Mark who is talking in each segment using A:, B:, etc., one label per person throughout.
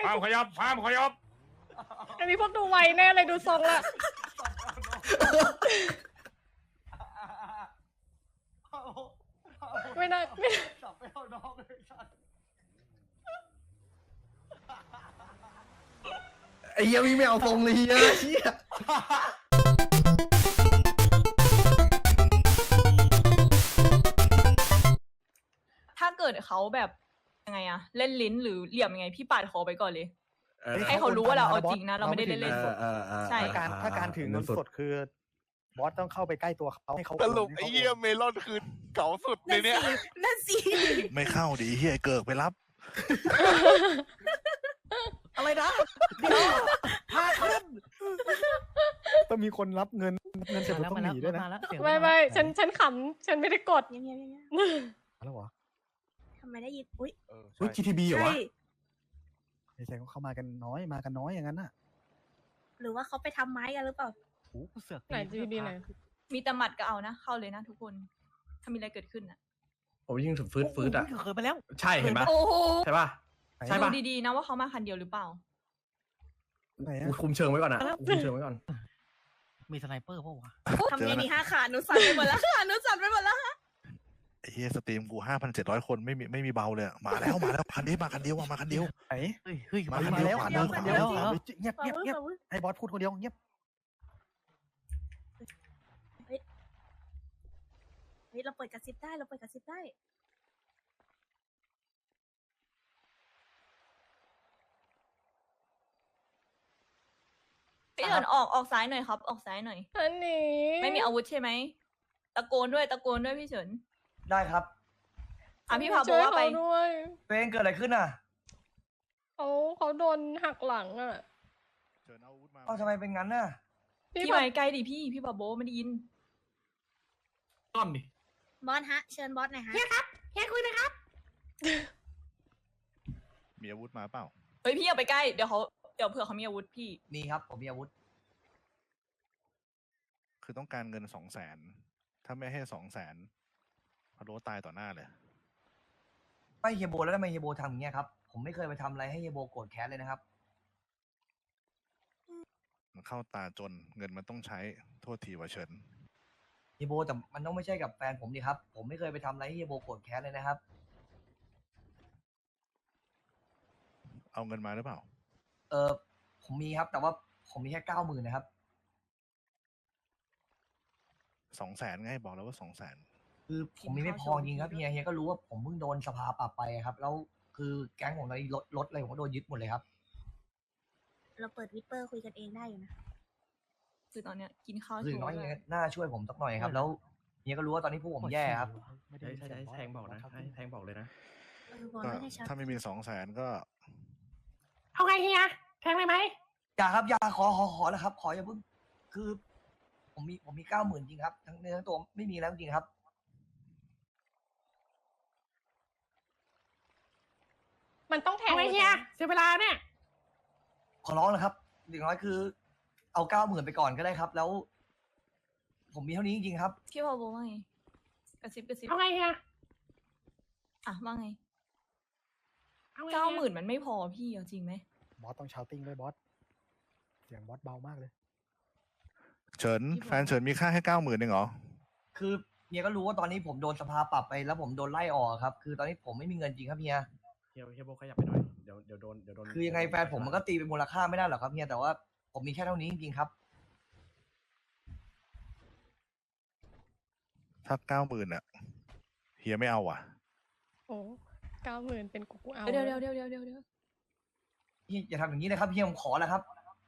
A: ห้ามขยับห้ามขยับ
B: อันนี้พวกดูไวแน่เลยดูทรงละไม่ได้ไม่ได้
C: สับไปเอาน้องเลยสัตว์
D: ไอ้เหี้ยวิ่งไม่เอาทรงเลยเหี้ยเหี้ย
E: ถ้าเกิดเขาแบบยังไงอะเล่นลิ้นหรือเหลี่ยมยังไงพี่ปาดคอไปก่อนเลย ให้เขารู้ว่าเราเอาจริงนะเราไม่ได้เล่นๆสดใช่
C: ถ้าการถือเงินสดคือบอสต้องเข้าไปใกล้ตัวเขาให้เขา
F: สรุปไอ้เหี้ยเมลอนคือเก่าสุดในเนี้ย
G: นั่นสิ
F: ไม่เข้าดิเหี้ยเกิกไปรับ
C: อะไรนะเดี๋ยวพาขึ้นต้องมีคนรับเงินเสร็จต้องหนีด้วยนะ
B: ไม่ฉันขำฉันไม่ได้กด
G: เงียบๆ
C: แล้วเหรอ
G: ๆทำไมได้ยินอุ้ย
D: เฮ้ย GTB เหรอ
G: ใช่
D: วะ
C: ไม่ใช่เขามากันน้อยอย่างนั้นน่ะ
G: หรือว่าเขาไปทำไม้กันหรือเปล่า
C: โอ้เสือก
B: ไหนจีดีไหน
E: มีแต่หมัดก็เอานะเข้าเลยนะทุกคนถ้ามีอะไรเกิดขึ้นอะ
D: ผมยิงถึงฟืดอ่ะ
C: เคยไปแล้ว
D: ใช่เห็นปะ
E: โอ้โห
D: ใช่ปะใช่
E: ดู
D: ปะ
E: ดีๆนะว่าเขามาคันเดียวหรือเปล่า
C: ไหน
D: กูคุมเชิงไว้ก่อนนะกูคุมเชิงไว้ก่อน
C: มีสไนเปอร์ป่าวะ
G: ทำไงดี5 ขาหนูสั่นไปหมดแล้วค่ะหนูสั่นไปหมดแล้ว
F: ไอ้เหี้ยสตรีมกู5,700 คนไม่มีเบาเลยอะมาแล้วคันนี้มาคันเดียวมาคันเดียว
C: ไหนเฮ้ย
F: มา
C: มาแล้ว
F: คั
C: คั
F: น
C: น
F: เดี
C: เดี
F: ย
C: ยว วเงียบ
G: เงียบ
C: ให้บอสพูดคนเดียวเงียบ
G: เฮ้ยเราเปิดกระซิบได้เราเปิดกระซิบได้
E: พี่เอิญออกซ้ายหน่อยครับ ออกซ้ายหน่อย
B: อันนี้
E: ไม่มีอาวุธใช่ไหมตะโกนด้วยพี่เฉิน
H: ได้ครับ
E: อ่ะพี่พาโบ
B: ช่วย
E: ว่าไป
B: เขาด้วย
H: ตัวเองเกิดอะไรขึ้นอ่ะ
B: เขาโดนหักหลังอ่ะ
F: เชิญเอาอาวุธมา
H: เอ้าทำไมเป็นงั้นน่ะ
E: พี่
B: บ
E: ไป
B: อก
E: ใกล้ดิพี่พาโบไม่ได้ยิน
D: ต้อมดิ
G: บอสฮะ เชิญบอสหน่อยฮะ
F: มีอาวุธมาเปล่า
E: เฮ้ยพี่อย่าไปใกล้เดี๋ยวเผื่อเขามีอาวุธพี่
H: มีครับ ผมมีอาวุธ
F: คือต้องการเงิน200,000ถ้าไม่ให้200,000พะโล้ตายต่อหน้าเลย
H: ไม่เฮียโบแล้วทำไมเฮียโบทำอย่างเงี้ยครับ ผมไม่เคยไปทำอะไรให้เฮียโบโกรธแค้นเลยนะครับ
F: มันเข้าตาจนเงินมันต้องใช้โทษทีว่าเฉิน
H: เฮียโบแต่มันต้องไม่ใช่กับแฟนผมดิครับ ผมไม่เคยไปทำอะไรให้เฮียโบโกรธแค้นเลยนะครับ
F: เอาเงินมาหรือเปล่า
H: ผมมีครับ แต่ว่าผมมีแค่90,000นะครับ
F: 200,000ไงบอกแล้วว่า200,000
H: คือผมมีไม่พอจริงครับเฮียก็รู้ว่าผมเพิ่งโดนสภาปรับไปครับ แล้วคือแก๊งผมตอนนี้รถอะไรผมก็โดนยึดหมดเลยครับ
G: เราเปิดวิปเปอร์คุยกันเองได้อยู่นะ
E: คือตอนเนี้ยกินข้าว
H: คือ
E: โช
H: น้อย
E: ว์
H: เฮี
E: เลย ย
H: น่าช่วยผมสักหน่อยครับ แล้วเฮียก็รู้ว่าตอนนี้พวกผมแย่ครับ
D: ใช่แทงบอกนะให้แทงบอกเลยนะ
G: บอส
F: ก็
G: ไม่ให้ชัด
F: ถ้าไม่มี200,000ก็
B: เอาไงเฮียแทงเลยไหม
H: อย่าครับอย่าขอแล้วครับ ขออย่าเพิ่งคือ ผมมี90,000จริงครับทั้งเนื้อทั้งตัวไม่มีแล้วจริงครับ
B: มันต้องแทงไงเฮียเสียเวลาเนี่ย
H: ขอร้องนะครับอย่างน้อยคือ เอา90,000ไปก่อนก็ได้ครับ แล้ว ผมมีเท่านี้จริงๆครับ
E: พี่พาโบว่าไงกระซิบ
B: เอาไงเฮีย
E: อ่ะว่าไง
B: เอาไง
E: 90,000มันไม่พอพี่เอาจริงไหม
C: บอสต้องชาวติ้งด้วยบอสเสียงบอสเบามากเลย
F: เฉินแฟนเฉินมีค่าแค่90,000เองเหรอ
H: คือเฮียก็รู้ว่าตอนนี้ผมโดนสภาปรับไปแล้วผมโดนไล่ออกครับ คือตอนนี้ผมไม่มีเงินจริงครับเฮีย
D: เฮียโบขยับไปหน่อย เดี๋ยวโดน
H: คือยังไงแฟนผมมันก็ตีเป็นมูลค่าไม่ได้หรอกครับเฮียแต่ว่าผมมีแค่เท่านี้จริงๆครับ
F: ถ้า90,000อ่ะเฮียไม่เอาอ่ะ
B: โอ้90,000เป็นกูเอา
E: เดี๋ยว
H: เฮียอย่าทำอย่างนี้เลยครับเฮียผมขอแล้วครับ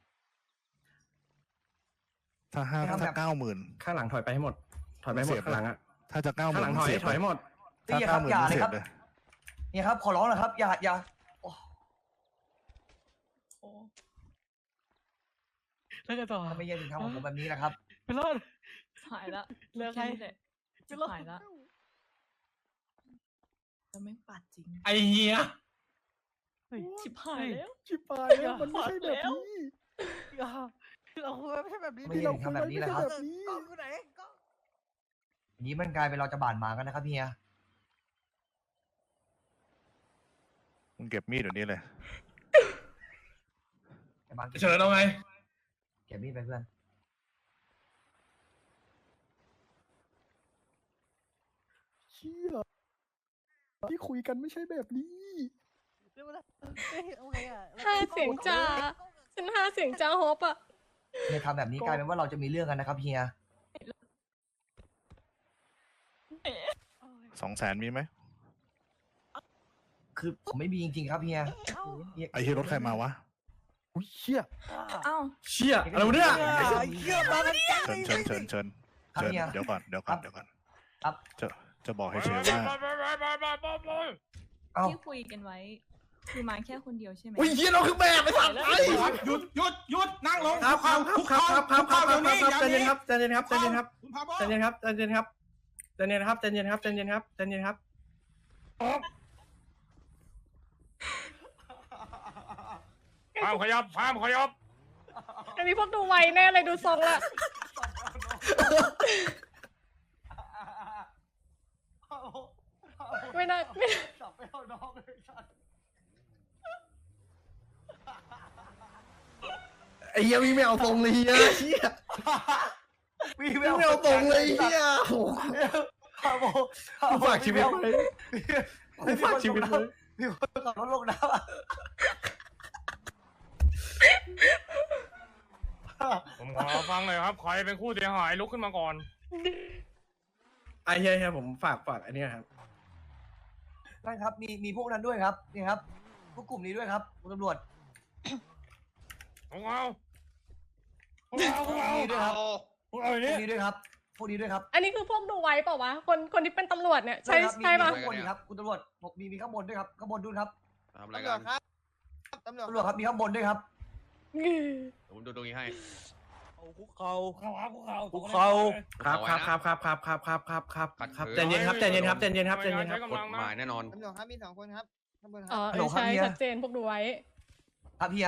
F: ถ้า90,000
D: ข้างหลังถอยไปให้หมด ถอยไปให้หมดข้างหลังอ่ะ
F: ถ้าจะ90,000
D: ข้างหลังถอย
F: เสียบ
D: ถอยหมด
F: ถ้า
H: เฮียครับ
F: 90,000
H: อย่าเลย
F: เสีย
H: ครับ บ
F: เลย
H: เฮียครับขอร้องนะครับ อย่าโอ้
E: โอ้
C: แล้วกันต่อ
H: ทำไมเฮียถึงทำกับผมแบบนี้นะครับ
C: ไปรอด
E: หายละ
C: เลิก
E: แค่
C: ให้
E: นี้แหละหายละจะไม่ปัดจริง
D: ไอเฮีย
E: ชิบหายแล้ว
C: ชิบหายแล้วมันไม่ใช่แบบนี้เราไม่ใช่แบบนี้
H: ไม่เฮียถึงทำแบบนี้นะครับ
C: แบบนี้
H: อย่างนี้มันกลายเป็นเราจะบาดหมางกันนะครับเฮีย
F: มึงเก็บมีดเดี๋ยวนี้เลย
H: บ้าน
D: เชิญเอาไง
H: เก็บมีดไปเพื่อน
C: เชี่ยที่คุยกันไม่ใช่แบบนี้
B: ห้าเสียงจ้าฉันห้าเสียงจ้าฮอปอะ
H: เฮียทำแบบนี้กลายเป็นว่าเราจะมีเรื่องกันนะครับเฮีย
F: 200,000มีไหม
H: คือผมไม่มีจริงๆครับเฮียเฮีย
F: ไอ้เฮียรถใครมาวะ
C: อุ้ยเชี่ย
E: อ้าว
D: เชี่ยอะไรวะเนี่ย
C: เชี่ยมากันจัง
F: เชิญเดี๋ยวก่อน
H: ครับ
F: จะบอกให้เชฟว่า
H: เอ้า
E: ที่คุยกันไว้ คือมาแค่คนเดียวใช่ไหม
D: อุ้ยเฮียเราคือแบบไปสั่งไป
A: หยุดนั่งลง
D: ครับครับใจเย็นครับใจเย็นครับ
A: คุณพาโบ
D: ใจเย็นครับใจเย็นครับใจเย็นครับใจเย็นครับใจเย็นครับใจเย็นครับ
A: ห้ามขยับ
B: อันนี้พวกดูไวแน่เลยดูทรงละ ไม่ได้
H: จับไปเอาน้องเลยสัตว์
D: ไอ้เฮียวิ่งไม่เอาตรงเลยเฮียเชี่ย
H: วิ่ง
D: วิ่งไม่เอาตรงเลยเฮียโอ้
H: พาโบ
D: กูฝากชีวิตไว้กูฝากชีวิตไว้
H: มีคนขับรถลงน้ำอ่ะ
A: ผมขอฟังหน่อยครับใครเป็นผู้เสียหายลุกขึ้นมาก่อน
D: ไอ้เฮียผมฝากอันนี้ครับ
H: นั่นครับมีพวกนั้นด้วยครับนี่ครับพวกกลุ่มนี้ด้วยครับคุณตำรวจ
A: ผมเอา
H: พวกนี้ด้วยครับ
A: พวกเอาอย่าง
H: พว
A: นี้
H: กนี้ด้วยครับพวกนี้ด้วยครับ
B: อันนี้คือพวกดูไวเปล่าวะคนที่เป็นตำรวจเนี่ยใช่
H: ครับ
B: ใช่ปะ
H: มีข้างบนอีกครับคุณตำรวจผมมีข้างบนด้วยครับข้างบนด้วยครับ
I: ทำอะไรกัน
H: ตำรวจครับมีข้างบนด้วยครับ
I: ผมดูตรงนี้ให้
C: คุกเขา
D: ครับใจเย็นครับใจเย็นครับ
I: กฎหมายแน่นอน
G: ตำรวจครับมี2 คนครับข้างบนค
B: อ๋
G: รั
B: อบ ใช่ชัดเจนพวกดูไว
H: ครับเฮีย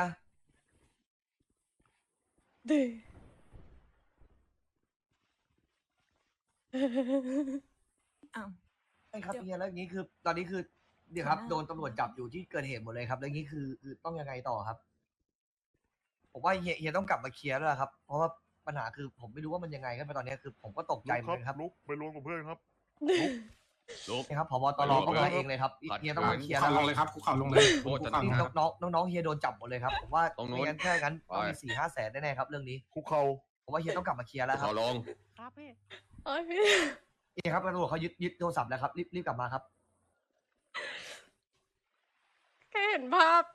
B: ดื
E: อ้าว
H: ใช่ครับเฮียแล้วอย่างนี้คือ ตอนนี้คือเดี๋ยวครับโดนตำรวจจับอยู่ที่เกิดเหตุหมดเลยครับแล้วอย่างนี้คือต้องยังไงต่อครับผมว่าเฮียต้องกลับมาเคลียร์แล้วครับเพราะว่าปัญหาคือผมไม่รู้ว่ามันยังไงครับตอนนี้คือผมก็ตกใจเหมือนกันครับ
F: ลุกไปรวมกับเพื่อนครับ
I: ลุก
H: นี่ครับผบตรก็มาเองเลยครับเฮียต้องมาเคลียร์
A: เข่า
H: แล้ว
A: ลงเลยครับคุกเข่าลงเลย
I: โทษจะ
H: นี่
I: ครับ
H: น้องเฮียโดนจับหมดเลยครับผมว่า
I: ตรงนู้น
H: ไม่งั้นแค่งั้นต้องมี
I: ไป
H: 4-5 แสนแน่ๆครับเรื่องนี้
F: คุกเขา
H: ผมว่าเฮียต้องกลับมาเคลียร์แล้วค
I: ข
H: รั
I: อบ ลง
C: ครับพี่
B: โอ้ยพี่
H: นี่ครับตำรวจเขายึดโทรศัพท์แล้วครับรีบกลับมาครับ
B: แค่เห็นภาพ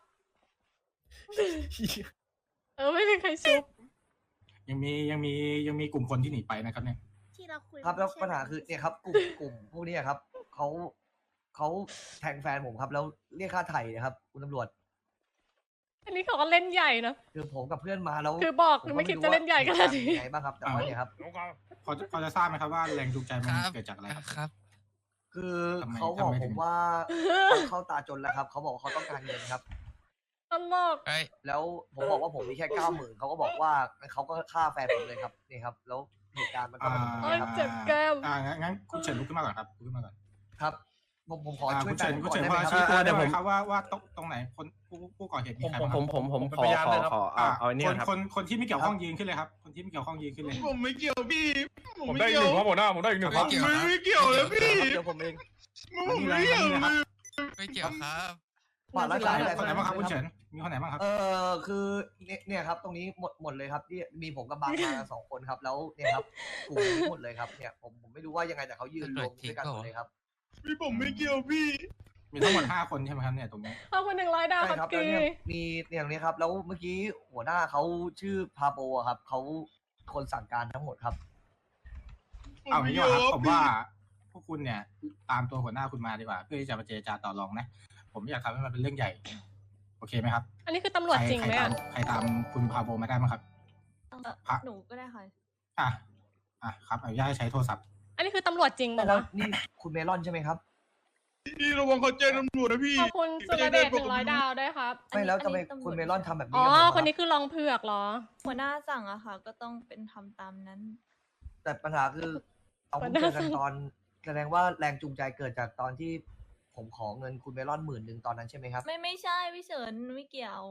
B: ไม่มีใครชุบ
A: ยังมีกลุ่มคนที่หนีไปนะครับเนี่ย
G: ที่เราคุย
H: ครับแล้ว
G: ไม่ใช่
H: ปัญหาคือเนี่ยครับกลุ่มพวกนี้ครับเขาแทงแฟนผมครับ แล้วเรียกค่าไถ่นะครับคุณตำรวจ
B: อันนี้เขาก็เล่นใหญ่นะ
H: คือผมกับเพื่อนมาแล้ว
B: คือบอก
H: ผ
B: คือ
H: ก็
B: ไม่คิดจะเล่นใหญ่ขนาดนี้
H: เหตุกรณ์เป็ยังไงบ้างครับแต่ว่าเนี่ยครับ
A: ลุกเอาพอจะทราบไหมครับว่าแรงจูงใจมันเกิดจากอะไรครับ
H: คือ
A: ทำไม
H: เขาบอก
A: ทำไม
H: ผ
A: ถึ
H: ม
A: ง
H: ว่าเขาตาจนแล้วครับเขาบอกว่าเขาต้องการเงินครับ
B: ตลก
H: แล้วผมบอกว่าผมมีแค่90,000เขาก็บอกว่าเขาก็ฆ่าแฟนผมเลยครับนี่ครับ แล้วเหตุการณ์มันก็เป็นอย่าง
B: โอ้
H: นี้
B: ย
H: ครับ
B: เจ็บแก้ม
A: งั้นคุณเฉินลุกขึ้นมาก่อนครับลุกขึ้นมาก่อน
H: ครับผมขอช่วย
A: คุณ
H: แฟ
A: เฉิ
H: น
A: น
H: ผม
A: คุณ
H: ก่อน
A: เฉิน
H: ได้ไหมครับ
A: พอชี้ตัวได้
D: เดี๋ยว
A: ไห
D: ผม ม
A: ครับว่าตรงไหนคนผู้ก่อเหตุมีใครบ้างครับ
D: ผมขอเอาอันนี้ครับ
A: คนที่ไม่เกี่ยวข้องยืนขึ้นเลยครับ คนที่ไม่เกี่ยวข้องยืนขึ้นเลย
I: ผมไม่เกี่ยวพี่
A: ผมได้1ครับหัวหน้าผมได้1ครับ
I: ไม่เกี่ยวเลยพี่
C: เดี๋ยวผมเอง
A: ผมไม่เกี่ยวเลย
I: ไม่เกี่ยวครับ
H: ฝากรักษาอะไร
A: คนไหนบ้างครับคุณเฉินมีคนไหนบ้างครับ
H: คือเนี่ยครับ ตรงนี้หมดเลยครับที่มีผมกับบางมากัน2 คนครับ แล้วเนี่ยครับกลุ่มนี้หมดเลยครับเนี่ยผมไม่รู้ว่ายังไงแต่เขายืนรวมด้วยกันหมดเลยครับ
I: พี่ผมไม่เกี่ยวพี่
A: มีทั้งหมด5 คนใช่ไหมครับเนี่ยตรงนี้
B: ขอบคุณ100 ดาว
H: ใช่
B: ค
H: ค
B: รั
H: รั
B: บบ กี
H: แล้วเนี่ยมีอย่างนี้ครับ แล้วเมื่อกี้หัวหน้าเขาชื่อพาโปอะครับเขาคนสั่งการทั้งหมดครับ
A: เอางี้ดีกว่าครับผมว่าพวกคุณเนี่ยตามตัวหัวหน้าคุณมาดีกว่าเพื่อที่จะมาเจรจาต่อรองนะผมอยากทำให้มันเป็นเรื่องใหญ่โอเคไหมครับ
B: อันนี้คือตำรวจจริงไหมอ่ะ
A: ใครตามคุณพาโบมาได้ไหมครับ
E: หนูก็ได้ค่ะ
A: ครับอนุญาตให้ใช้โทรศัพท์
B: อันนี้คือตำรวจจริงเหรอ
H: แล้ว
B: วะ
H: นี่คุณเมลอนใช่ไหมครับ
I: พี่ระวังเขาแจ้งตำรวจนะพี่
B: ขอบคุณสุรเดช100 ดาวด้วยครับ
H: ไม่แล้วทำไม
E: อันนี้ตำรวจ
H: คุณเมลอนทำแบบนี้
B: อ๋อ
H: กับผม
B: คนนี้
H: รับ
B: คือรองเผือกเหรอ
E: หัวหน้าสั่งอะค่ะ ก็ต้องเป็นทำตามนั้น
H: แต่ปัญหาคือเอาเพิ่งเจอกันตอนแสดงว่าแรงจูงใจเกิดจากตอนที่ผมขอเงินคุณเมลอน10,000ตอนนั้นใช่ไหมครับ
E: ไม่ใช่พี่เฉินไม่เกี่ยว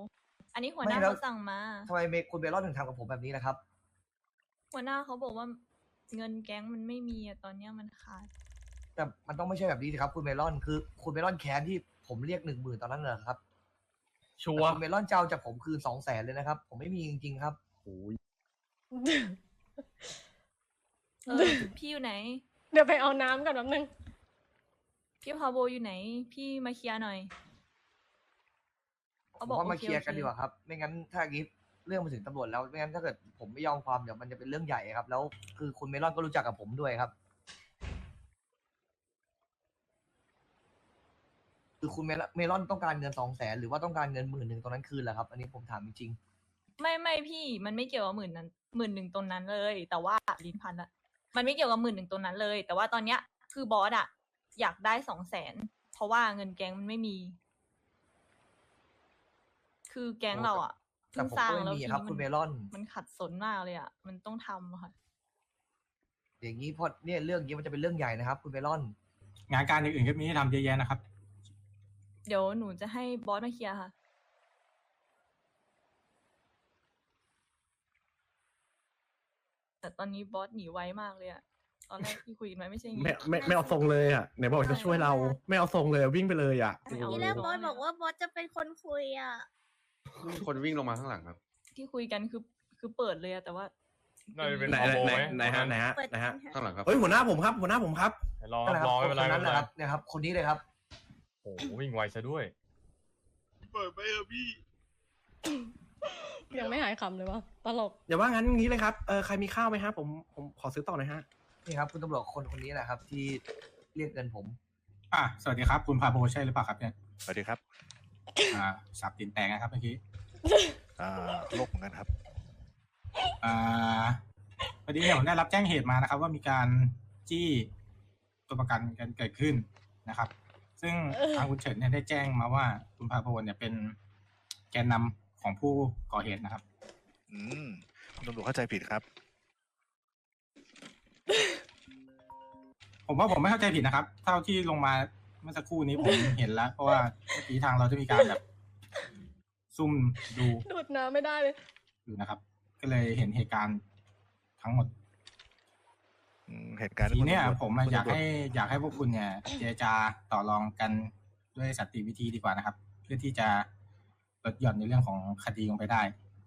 E: อันนี้หัวหน้า
H: ไม่แล้ว
E: เขาสั่งมา
H: ทำไมคุณเบลลอนถึงทำกับผมแบบนี้นะครับ
E: หัวหน้าเขาบอกว่าเงินแก๊งมันไม่มีอะตอนเนี้ยมันขาด
H: แต่มันต้องไม่ใช่แบบนี้สิครับคุณเบลลอนคือคุณเบลลอนแค้นที่ผมเรียก10,000ตอนนั้นเหรอครับ
D: ชัว
H: แต่
D: ร์
H: คุณเบลลอนจะเอาจากผมคืน200,000เลยนะครับ ผมไม่มีจริงๆครับ
E: พี่อยู่ไหน
B: เดี๋ยวไปเอาน้ำกันแป๊บนึง
E: พี่พาโบอยู่ไหน พี่มาเคลียร์หน่อย
H: ผมว่ามาเคลียร์กันดีกว่าครับ ไม่งั้นถ้าอย่างนี้เรื่องมาถึงตำรวจแล้วไม่งั้นถ้าเกิดผมไม่ยอมความเดี๋ยวมันจะเป็นเรื่องใหญ่ครับ แล้วคือคุณเมลอนก็รู้จักกับผมด้วยครับ คือคุณเมลอนต้องการเงิน200,000หรือว่าต้องการเงิน10,000ตรงนั้นคืนเหรอครับ อันนี้ผมถามจริง
E: ไม่พี่มันไม่เกี่ยวกับ11,000ตรงนั้นเลย แต่ว่าลิ้นพันละมันไม่เกี่ยวกับ11,000ตรงนั้นเลย แต่ว่าตอนเนี้ยคือบอสอะอยากได้200,000เพราะว่าเงินแก๊งมันไม่มี คือแก๊งเราอะ
H: ๆแต่
E: เพิ่ง
H: ผม
E: สร้าง
H: ก็ไม่
E: แล้ว
H: มี
E: ที
H: ครับ
E: นี้
H: คุณเมลอน
E: มันขัดสนมากเลยอะมันต้องทำอะค่ะ
H: อย่างนี้พอเนี่ยเรื่องนี้มันจะเป็นเรื่องใหญ่นะครับ คุณเมลอน
A: งานการอื่นๆก็มีให้ทำเยอะแยะนะครับ
E: เดี๋ยวหนูจะให้บอสมาเคลียร์ค่ะ แต่ตอนนี้บอสหนีไวมากเลยอะตอนแรกที่คุยกันไว้ไม่ใช่อย่างงี้
D: ไม่เอาทรงเลยอ่ะไหนบอกจะช่วยเรา ไม่เอาทรงเลยวิ่งไปเลยอ่ะ
E: ไม่เอา
G: ทีแรกบอสบอกว่าบอสจะเป็นคนคุยอ่ะ
I: คนวิ่งลงมาข้างหลังครับ
E: ที่คุยกันคือเปิดเลยอะแต่ว่า
I: น่าจะเป็น
D: ไหน
I: คอมโบไหม
D: ไหนฮะไหนฮะ
G: เปิด
D: ไหนฮะ
I: ข้างหลังครับ
D: เฮ้ยหัวหน้าผมครับหัวหน้าผมครับ
I: รอ
H: นั่นแหละครับ
I: ไม่เป็นไร
H: คน
I: ไม่
H: นั้น
I: เป็น
H: นะ
I: ไร
H: ครับเนี่ยครับ คนนี้เลยครับ
I: โอ้โหวิ่งไวซะด้วย เปิดไปเถอะพี่
B: ยังไม่หายขำเลยวะตลก
D: อย่าว่างั้นงี้เลยครับใครมีข้าวไหมฮะผมขอซื้อต่อหน่อยฮะ
H: นี่ครับคุณตำรวจคนนี้แหละครับ ที่เรียกเงินผม
A: สวัสดีครับ คุณพาโบใช่หรือเปล่าครับเนี่ย
F: สวัสดีครับ
A: สับตีนแตงนะครับเมื่อกี้
F: โลกเหมือนกันครับ
A: พอดีเนี่ยผมได้รับแจ้งเหตุมานะครับ ว่ามีการจี้ตัวประกันกันเกิดขึ้นนะครับ ซึ่งทางคุณเฉินเนี่ยได้แจ้งมาว่าคุณพาโบเนี่ยเป็นแกนนำของผู้ก่อเหตุนะครับ
F: คุณตำรวจเข้าใจผิดครับ
A: ผมว่าผมไม่เข้าใจผิดนะครับ เท่าที่ลงมาเมื่อสักครู่นี้ผมเห็นแล้ว เพราะว่าเมื่อกี้ทางเราจะมีการแบบซุ่มดู
B: ดูดน้ำไม่ได้เลย
A: อยู่นะครับ ก็เลยเห็นเหตุการณ์ทั้งหมด
F: เหตุการณ์
A: ทีเนี้ย
F: คุณตำรวจ
A: ผมอยากให้พวกคุณเนี่ยเจรจาต่อรองกันด้วยสันติวิธีดีกว่านะครับ เพื่อที่จะลดหย่อนในเรื่องของคดีลงไปได้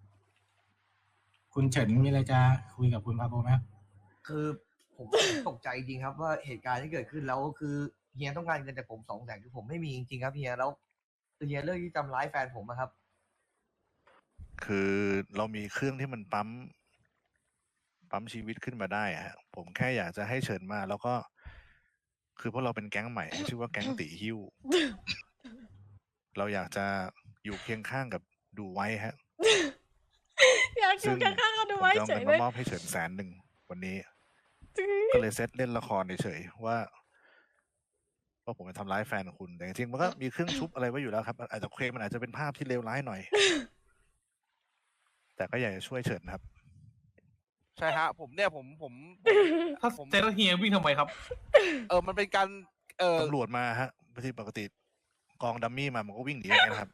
A: คุณเฉินมีอะไรจะคุยกับคุณพาโบไหมครับ
H: คือผมตกใจจริงครับว่าเหตุการณ์ที่เกิดขึ้นแล้วคือเฮียต้องการเงินจากผม200,000คือผมไม่มีจริงๆครับเฮียแล้วคือเฮียเลือกที่จะทำร้ายแฟนผมนะครับ
F: คือเรามีเครื่องที่มันปั๊มชีวิตขึ้นมาได้อะฮะผมแค่อยากจะให้เชิญมา แล้วก็ คือพวกเราเป็นแก๊งใหม่ ชื่อว่าแก๊งตีหิ้ว เราอยากจะอยู่เคียงข้างกับดูไว้ฮะ
B: อยากอยู่ข้างๆกันดูไว้
F: ผมจะเอา
B: เฉ
F: เงิ
B: ย
F: น
B: เล
F: มาย มอบให้เฉิน100,000วันนี้ ก็เลยเซตเล่นละครเฉยๆว่าผมจะทำร้ายแฟนคุณแต่จริงๆมันก็มีเครื่องชุบอะไรไว้อยู่แล้วครับอาจจะเคลมมันอาจจะเป็นภาพที่เลวร้ายหน่อย แต่ก็อยากจะช่วยเฉินครับ
J: ใช่ฮะผมเนี่ยผม
D: ถ้าเจอเฮียวิ่งทำไมครับ
J: มันเป็นการ
F: ตำรวจมาฮะที่ปกติกองดัมมี่มามันก็วิ่งหนีอย่างเงี้ยนะครับ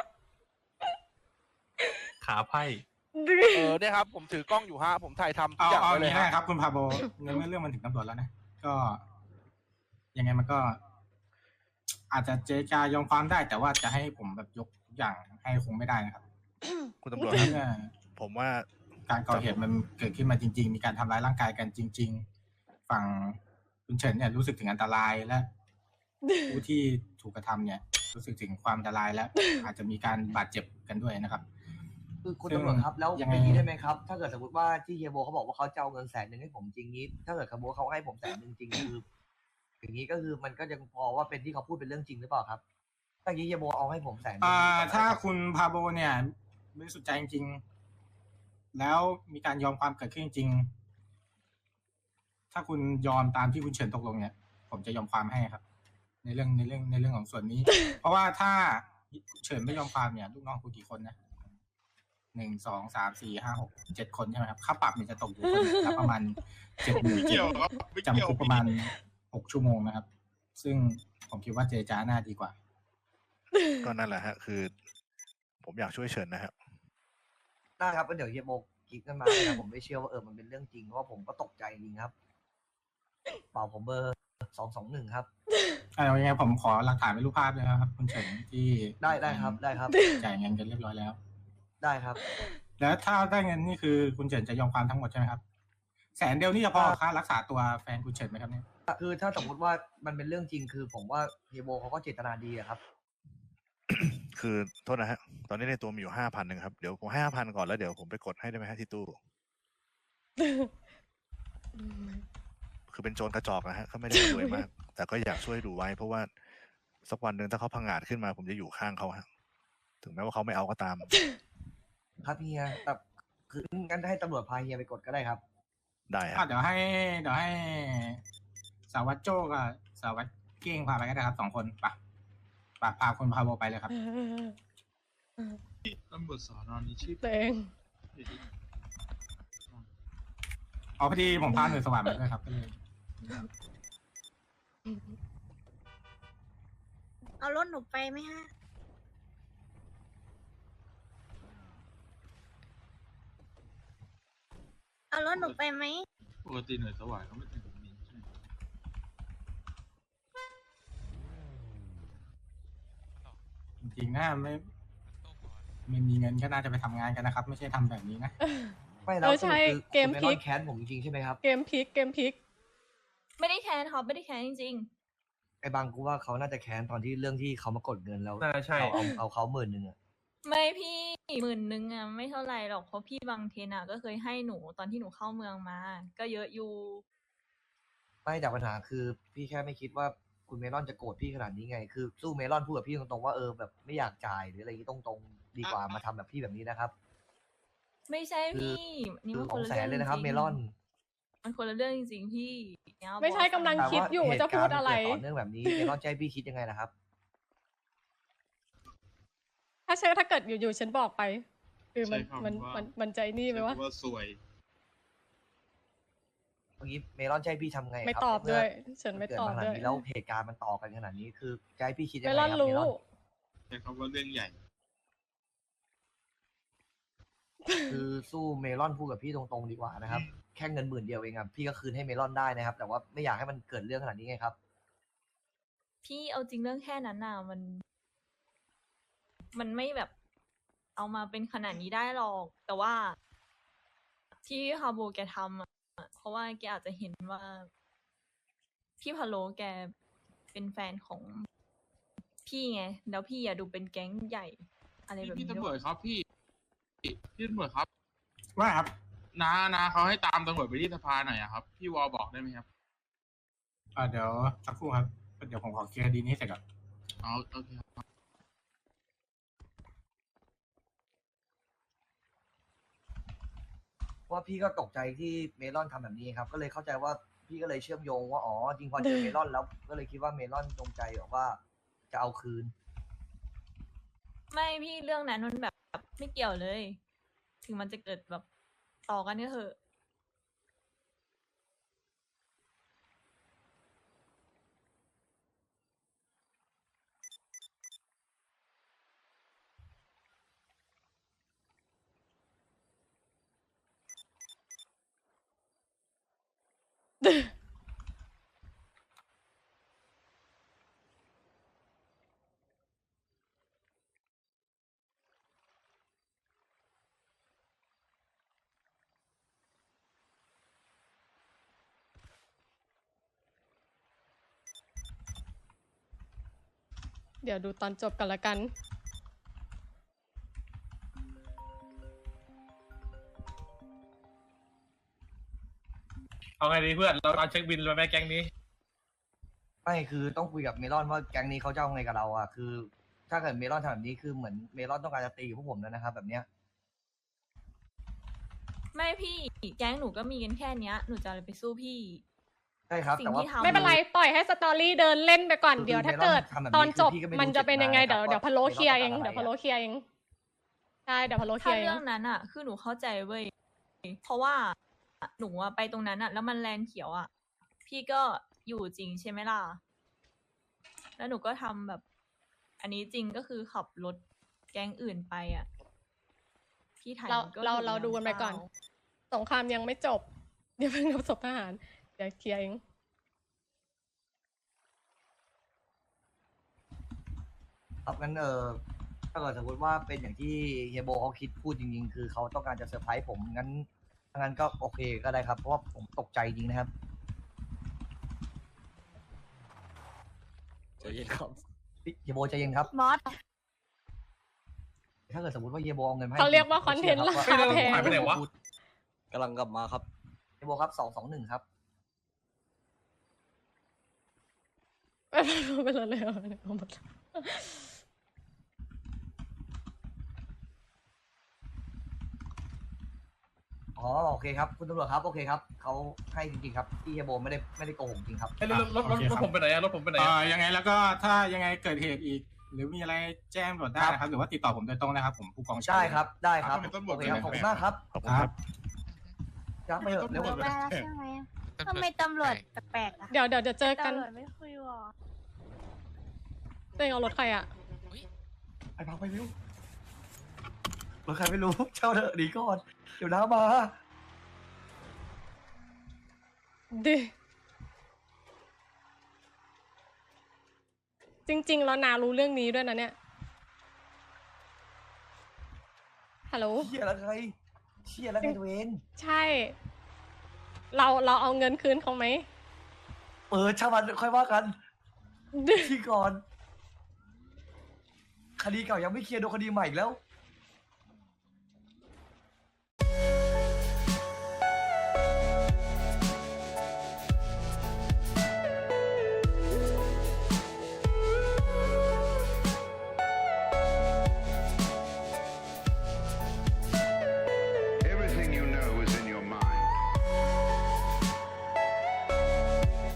D: ขาไพ่
J: เนี่ยครับผมถือกล้องอยู่ฮะผมถ่ายทำทุก
A: เอา
J: อย่าง
A: เอา
J: ไว้
A: อ
J: เล
A: ย่าง
J: ย
A: นี้
J: ฮะ
A: นะครับ คุณพาโบในเมื่อเรื่องมันถึงตำรวจแล้วนะก็ ยังไงมันก็ อาจจะเจรจายอมความได้ แต่ว่าจะให้ผมแบบยกทุกอย่างให้คงไม่ได้นะครับ
F: คุณตำรวจครับ
A: เมื่อ
F: ผมว่า
A: การก่อเหตุมันเกิดขึ้นมาจริง ๆ มีการทำร้ายร่างกายกันจริง ๆ ฝั่งคุณเฉินเนี่ยรู้สึกถึงอันตรายและผู้ที่ถูกกระทำเนี่ย รู้สึกถึงความอันตรายและ อาจจะมีการบาดเจ็บกันด้วยนะครับ
H: คือคุณตำรวจครับแล้ว
A: ยังไง
H: อย่างนี้ได้ไหมครับ ถ้าเกิดสมมติว่าที่เฮียโบเขาบอกว่าเขาจะเอาเงิน100,000ให้ผมจริงนี้ ถ้าเกิดเขาบอกเขาให้ผม100,000จริงคือ อย่างนี้ก็คือมันก็ยังพอว่าเป็นที่เขาพูดเป็นเรื่องจริงหรือเปล่าครับถ้าอย่างนี้เฮียโบเอาให้ผม100,000
A: ถ้าคุณพาโบเนี่ยบริสุทธิ์ใจจริงๆแล้วมีการยอมความเกิดขึ้นจริงๆถ้าคุณยอมตามที่คุณเฉินตกลงเนี่ย ผมจะยอมความให้ครับ ในเรื่องของส่วนนี้ เพราะว่าถ้าเฉินไม่ยอมความเนี่ยลูกน้องคุณกี่คนนะ1 2 3 4 5 6 7 คนใช่ไหมครับค่าปรับเนี่ยจะตกอยู่คนละประมาณ70,000
I: เกี่ยวครับไม่
A: จำ
I: เกี่ยว
A: คุกประมาณ6 ชั่วโมงนะครับ ซึ่งผมคิดว่าเจรจาน่าดีกว่า
F: ก็นั่นแหละฮะคือผมอยากช่วยเฉินนะครับ
H: ได้ครับก็เดี๋ยวเฮียโมคิดกันมาเลยครับผมไม่เชื่อว่ามันเป็นเรื่องจริงเพราะว่าผมก็ตกใจจริงครับเปล่าผมเบอร์221ครับ
A: เอายังไงผมขอหลักฐานเป็นรูปภาพเลยนะครับ คุณเฉินที่
H: ได้ครับได้ครับ
A: จ่ายเงินกันเรียบร้อยแล้ว
H: ได้ครับ
A: แล้วถ้าได้เงินนี่คือคุณเฉินจะยอมความทั้งหมดใช่ไหมครับ100,000นี่จะพอค่ารักษาตัวแฟนคุณเฉินไหมครับเนี่ย
H: คือถ้าสมมติว่ามันเป็นเรื่องจริงคือผมว่าเฮียโมเขาก็เจตนาดีอะครับ
F: คือโทษนะฮะ ตอนนี้ในตัวมีอยู่5,000ครับ เดี๋ยวผมให้5,000ก่อนแล้วเดี๋ยวผมไปกดให้ได้ไหมฮะที่ตู้ คือเป็นโจรกระจอกนะฮะเขาไม่ได้รวยมาก แต่ก็อยากช่วยดูไว้ เพราะว่าสักวันหนึ่งถ้าเขาพังงาดขึ้นมา ผมจะอยู่ข้างเขาฮะ ถึงแม้ว่าเขาไม่เอาก็ตาม
H: ครับเฮียแต่คืองั้นให้ตำรวจพาเฮียไปกดก็ได้ครับ
F: ได้ฮะ
A: เดี๋ยวให้สารวัตรโจ้กับสารวัตรเก้งพาไปก็ได้ครับ2 คนไปพาคุณพาโบไปเลยครับ
I: ตำรวจสอนอนี้ชื่อ
B: ตัวเอง
A: อ๋อพอดีผมพาหน่วยสวัสดิ์มาด้วยครับก็เลย
G: เอารถหนูไปไหมฮะ เอารถหนูไปไหม
I: ปกติหน่วยสวายเขาไม่เป็นแบบนี้ใช่ไหม
A: จริงๆนะไม่มีเงินก็น่าจะไปทำงานกันนะครับ ไม่ใช่ทำแบบนี้นะ
H: ไม่แล้ว
B: ใช่
H: สรุปคือ
B: เกม
H: คุณ
B: พลิ
H: ไอก นแค้นผมจริงๆใช่ไหมครับ
B: เกมพลิก
E: ไม่ได้แค้นครับไม่ได้แค้นจริง
H: ไอ้บางกูว่าเขาน่าจะแค้นตอนที่เรื่องที่เขามากดเงินแล้ว
D: น่าใช่
H: เอาเขา10,000อะ
E: ๆ ไม่พี่10,000อ่ะไม่เท่าไหร่หรอกเพราะพี่บางเทนอ่ะก็เคยให้หนูตอนที่หนูเข้าเมืองมา ก็เยอะอยู่
H: ไม่แต่ปัญหาคือพี่แค่ไม่คิดว่าคุณเมลอนจะโกรธพี่ขนาดนี้ไง คือสู้เมลอนพูดกับพี่ตรงๆว่าแบบไม่อยากจ่ายหรืออะไรอย่างนี้ตรงๆดีกว่ามาทำแบบพี่แบบนี้นะครับ
E: ไม่ใช่พี่นี่
H: คือ
E: มัน
H: ข
E: ค
H: อน ง
E: ละ
H: แส
E: เรื่อน ง
H: เลยนะครับ
E: จ
H: เม
E: ริง
H: ลอน
E: มันคนละเรื่องจริงๆพี่เนี่ย
B: ไม่ใช่
E: บอส
B: กำลัง
H: แต่
B: คิด
H: ว่า
B: อยู่
H: เห
B: ว่าจะ
H: ตุ
B: พู
H: การ
B: ด
H: ณ์มัน
B: อะไร
H: เกิดต่อเนื่องแบบนี้เมลอนจะให้พี่คิดยังไงนะครับ
B: ถ้าเกิดอยู่ๆฉันบอกไป คือมัน
I: ใช้คำว่า
B: มันใจนี่ไหมวะ
I: ว่าสวย
H: เมื่อกี้เมลอนจะให้พี่ทำไงครับ
B: ไม่ตอบด้วย
H: เมื่
B: ฉันไม่
H: เกิด
B: ตอบ
H: มาขนา
B: ด้
H: ด
B: วย
H: นี้แล้วเหตุการณ์มันต่อกันขนาดนี้คือจะให้พี่คิดยัง
B: เม
H: ไง
B: ล
H: ค
B: อ
H: รั
B: น
H: บ
B: รู้
H: เมลอน
I: ใช้คำว่าเรื่องใหญ่
H: คือสู้เมลอนพูดกับพี่ตรงๆดีกว่านะครับ แค่เงิน10,000เดียวเองครับพี่ก็คืนให้เมลอนได้นะครับ แต่ว่าไม่อยากให้มันเกิดเรื่องขนาดนี้ไงครับ
E: พี่เอาจริงเรื่องแค่นั้นน่ะมันไม่แบบเอามาเป็นขนาดนี้ได้หรอก แต่ว่าที่ฮาโบแกทำอ่ะเพราะว่าแกอาจจะเห็นว่า พี่พะโลแกเป็นแฟนของพี่ไงแล้วพี่อย่าดูเป็นแก๊งใหญ่ อะไรแบบ
I: พี่
E: นี้
I: ตำร
E: ด้
I: ว
E: ว
I: จ
E: ย
I: ครับพี่ตำรวจครับ
A: ว่าครับ
I: นาเขาให้ตามตำรวจไปที่สภาหน่อยอะครับ พี่วอลบอกได้ไหมครับ
A: เดี๋ยวสักครู่ครับ เดี๋ยวผมขอเคลียร์คดีนี้เสร็จก่อน
I: เอาโอเคครับ
H: เพราะว่าพี่ก็ตกใจที่เมลอนทำแบบนี้ครับ ก็เลยเข้าใจว่าพี่ก็เลยเชื่อมโยงว่าอ๋อจริงพอเจอเมลอนแล้วก็เลยคิดว่าเมลอนจงใจแบบว่าจะเอาคืน
E: ไม่พี่เรื่องนั้นมันแบบไม่เกี่ยวเลย ถึงมันจะเกิดแบบต่อกันก็เถอะ
B: เดี๋ยวดูตอนจบกันละกัน
D: เอาไงดีเพื่อน เราเอาเช็คบินเลยไหมแก๊งนี้
H: ไม่คือต้องคุยกับเมลอนว่าแก๊งนี้เขาจะเอาไงกับเราอ่ะคือ ถ้าเกิดเมลอนทำแบบนี้คือเหมือนเมลอนต้องการจะตีพวกผมแล้วนะครับ แบบเนี้ย
E: ไม่พี่แก๊งหนูก็มีกันแค่เนี้ย หนูจะอะไรไปสู้พี่
H: ใช่ครับ
E: สิ่ง
H: แต่ว่า
E: ที่ทำ
B: ไม่เป็นไร ปล่อยให้สตอรี่เดินเล่นไปก่อน
H: คือ
B: เดี๋ยวถ้า
H: เมลอน
B: เกิด
H: ทำแบบนี้
B: ตอนจบ
H: คือพี่ก็ไม่รู้
B: มันจะเป็นยังไง
H: เจตนา
B: เดี๋ยว
H: ครับ
B: พะโล้
H: ว่า
B: เคลียร์เอง
H: เมลอนต้องการอะไร
B: เดี๋ยวพะโล้เคลียร์เองใช่เดี๋ยวพะโล้เคลี
E: ถ้าย
B: ร์เอ
E: เรื่อง งนั้นอ่ะ คือหนูเข้าใจเว้ย เพราะว่าหนูอะไปตรงนั้นอ่ะ แล้วมันแลนเขียวอ่ะ พี่ก็อยู่จริงใช่ไหมล่ะ แล้วหนูก็ทำแบบ อันนี้จริงก็คือขับรถแก๊งอื่นไปอ่ะพี่ไทย
B: เรา
E: มันก็
B: เรา
E: ถู
B: ดูกันไปก่อน
E: ำเปล่า
B: สงครามยังไม่จบ เดี๋ยวเพิ่งนับศพทหาร เดี๋ยวเคลียร์เอง
H: ครับงั้นถ้าเกิดสมมติว่าเป็นอย่างที่เฮียโบเขาคิดพูดจริงๆ คือเขาต้องการจะเซอร์ไพรส์ผมงั้นถ้างั้นก็โอเคก็ได้ครับ เพราะว่าผมตกใจจริงนะครับ
C: ใจเย็นครับ
H: เฮียโบใจเย็นครับ
G: มอส
H: ถ้าเกิดสมมติว่าเฮียโบเอาเงินมาให้
B: เขาเรียกว่าคอนเทนต์
H: ผม
B: รา
H: ชื่
B: คา
H: รับ
B: แพง
D: หายไปไหนวะ
C: กำลังกลับมาครับ
H: เฮียโบครับ221ครับ
B: ไปเลยเอาหมด
H: อ๋อโอเคครับคุณตำรวจครับโอเคครับเขาให้จริงๆครับที่เฮียโบไม่ได้โกหกจริงครับ
D: ไอ้รถผมไปไหนอะรถผมไปไหนอะ
A: ยังไงแล้วก็ถ้ายังไงเกิดเหตุอีก หรือมีอะไรแจ้งตำรวจได้นะครับ หรือว่าติดต่อผมโดยตรงนะครับ ผมผู้กองชัย
H: ได้ครับได้ครับ
I: เป็นตำร
H: โอ
I: วจ
H: เคครับ
I: เลยนะ
H: ขอบคุณมากครับ
F: ขอบคุณ
A: ค
F: ค
A: รั
F: รับ บ
H: ครับไปเถอะเร็ว
G: ไปแล้วใช่ไหมทำไมตำรวจแปลกๆอ่ะ
B: เดี๋ยวเจอกัน
G: ตำรวจไม่คุยหรอ
B: ตัวเองเอารถใครอ่ะ
H: ไปพักไปเร็วรถใครไม่รู้เช่าเถอะหนีก่อนเดี๋ยวน้ามา
B: ดิ จริง ๆ แล้วนารู้เรื่องนี้ด้วยนะเนี่ย ฮัลโหล
H: เชี่ยแล้วไงเชี่ยแล้วไงตัวเอง
B: ใช่ เราเอาเงินคืนเขาไหม
H: ช่างมันค่อยว่ากัน
B: ดิ
H: ที่ก่อน คดีเก่ายังไม่เคลียร์โดนคดีใหม่อีกแล้ว